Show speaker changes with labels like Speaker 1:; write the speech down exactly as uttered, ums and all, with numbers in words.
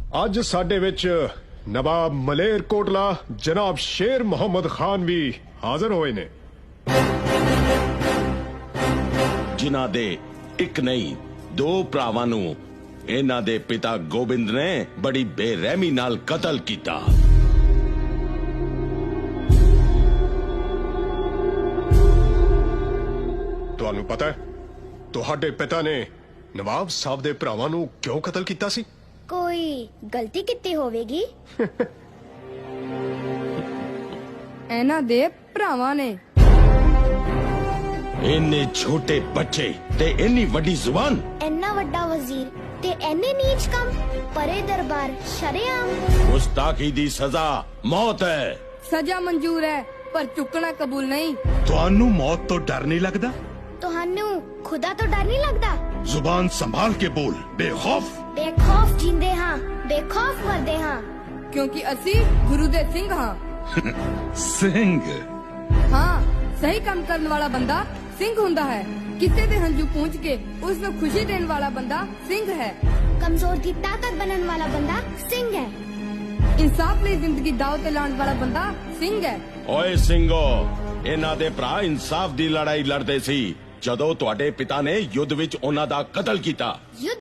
Speaker 1: ਅੱਜ ਸਾਡੇ ਵਿੱਚ ਨਵਾਬ ਮਲੇਰ ਕੋਟਲਾ ਜਨਾਬ ਸ਼ੇਰ ਮੁਹੰਮਦ ਖਾਨ ਵੀ ਹਾਜ਼ਰ ਹੋਏ ਨੇ,
Speaker 2: ਜਿਨ੍ਹਾਂ ਦੇ ਇੱਕ ਨਹੀਂ ਦੋ ਭਰਾਵਾਂ ਨੂੰ ਇਹਨਾਂ ਦੇ ਪਿਤਾ ਗੋਬਿੰਦ ਨੇ ਬੜੀ ਬੇਰਹਿਮੀ ਨਾਲ ਕਤਲ ਕੀਤਾ।
Speaker 1: ਤੁਹਾਨੂੰ ਪਤਾ ਹੈ ਤੁਹਾਡੇ ਪਿਤਾ ਨੇ ਨਵਾਬ ਸਾਹਿਬ ਦੇ ਭਰਾਵਾਂ ਨੂੰ ਕਿਉਂ ਕਤਲ ਕੀਤਾ ਸੀ?
Speaker 3: ਕੋਈ ਗਲਤੀ ਕੀਤੀ ਹੋਵੇਗੀ।
Speaker 4: ਇਹਨਾਂ ਦੇ ਭਰਾਵਾਂ ਨੇ।
Speaker 2: ਇੰਨੇ ਛੋਟੇ ਬੱਚੇ ਤੇ ਇੰਨੀ ਵੱਡੀ ਜ਼ੁਬਾਨ।
Speaker 3: ਇੰਨਾ ਵੱਡਾ ਵਜ਼ੀਰ ਤੇ ਇੰਨੇ ਨੀਚ ਕੰਮ, ਪਰੇ ਦਰਬਾਰ ਸ਼ਰੇਆਮ।
Speaker 2: ਗੁਸਤਾਖੀ ਦੀ ਸਜ਼ਾ ਮੌਤ ਹੈ।
Speaker 4: ਸਜ਼ਾ ਮਨਜ਼ੂਰ ਹੈ ਪਰ ਚੁੱਕਣਾ ਕਬੂਲ ਨਹੀਂ।
Speaker 5: ਤੁਹਾਨੂੰ ਮੌਤ ਤੋਂ ਡਰ ਨਹੀਂ ਲੱਗਦਾ?
Speaker 3: ਤੁਹਾਨੂੰ ਖੁਦਾ ਤੋਂ ਡਰ ਨਹੀਂ ਲੱਗਦਾ?
Speaker 5: ਜ਼ੁਬਾਨ ਸੰਭਾਲ ਕੇ ਬੋਲ, ਬੇਖੌਫ।
Speaker 3: ਬੇਖੌਫ ਜਿੰਦੇ ਹਾਂ, ਬੇਖੌਫ ਮਰਦੇ ਹਾਂ,
Speaker 4: ਕਿਉਂਕਿ ਅਸੀਂ ਗੁਰੂ ਦੇ ਸਿੰਘ ਹਾਂ।
Speaker 5: ਸਿੰਘ?
Speaker 4: ਹਾਂ, ਸਹੀ ਕੰਮ ਕਰਨ ਵਾਲਾ ਬੰਦਾ ਸਿੰਘ ਹੁੰਦਾ ਹੈ। ਕਿਸੇ ਦੇ ਹੰਝੂ ਪੂੰਝ ਕੇ ਉਸ ਨੂੰ ਖੁਸ਼ੀ ਦੇਣ ਵਾਲਾ ਬੰਦਾ ਸਿੰਘ ਹੈ।
Speaker 3: ਕਮਜ਼ੋਰ ਦੀ ਤਾਕਤ ਬਣਨ ਵਾਲਾ ਬੰਦਾ ਸਿੰਘ ਹੈ।
Speaker 4: ਇਨਸਾਫ ਲਈ ਜ਼ਿੰਦਗੀ ਦਾਅ ਤੇ ਲਾਉਣ ਵਾਲਾ ਬੰਦਾ ਸਿੰਘ ਹੈ।
Speaker 2: ਓਏ ਸਿੰਘੋ, ਇਹਨਾਂ ਦੇ ਭਰਾ ਇਨਸਾਫ ਦੀ ਲੜਾਈ ਲੜਦੇ ਸੀ ਜਦੋਂ ਤੁਹਾਡੇ ਪਿਤਾ ਨੇ ਯੁੱਧ ਵਿੱਚ ਉਹਨਾਂ ਦਾ ਕਤਲ ਕੀਤਾ।
Speaker 3: ਯੁੱਧ